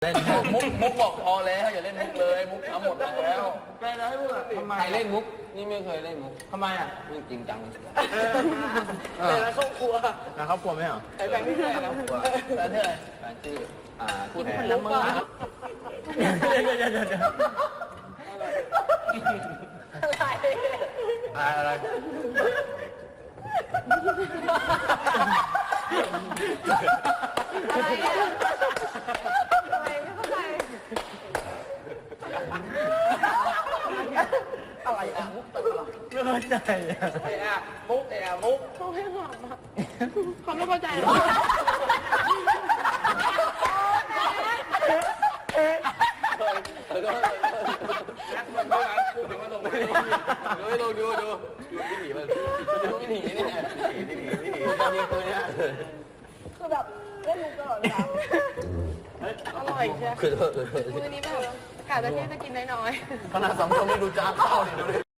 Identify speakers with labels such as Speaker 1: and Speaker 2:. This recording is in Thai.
Speaker 1: เล่นมุกบอกพอแล้วอย่าเล่นมุกเลยมุกทำหมดแล้ว
Speaker 2: ไปแล้วให้พูดอ่ะทำไม
Speaker 1: ใครเล่นมุกนี่ไม่เคยเล่นมุก
Speaker 2: ทำไมอ่ะ
Speaker 1: ไม่จริงจัง
Speaker 2: แต่ละครอบครัว
Speaker 3: นะครอบครัวไหมเหรอ
Speaker 2: ไอ้แบงค์ที่ไหนนะ
Speaker 1: แล้วเธอแฟนชื่อพูด
Speaker 2: คนละมือ
Speaker 1: อะไร
Speaker 2: อะไรอ่ะมุกตลอด
Speaker 3: ไม่เข้าใจอ่ะ
Speaker 2: ไอ้อ่ะมุกไอ้อ่ะมุก
Speaker 4: เขาให้หอมอ่ะเขาไม่เข้าใจหรอ
Speaker 1: ดูวิถีมันดูวิถีนี่วิถีตอนนี้ตัวเนี้ย
Speaker 4: คือแบบเล่นมุกตลอดเวลาอร่อยใช่ไหม
Speaker 1: คือ
Speaker 4: มือนี้แบบกะจะเที่ยงจะกินน้อยๆ
Speaker 1: ขนาดสองคนไม่ดูจ้าข้าวเนี่ยดูดิ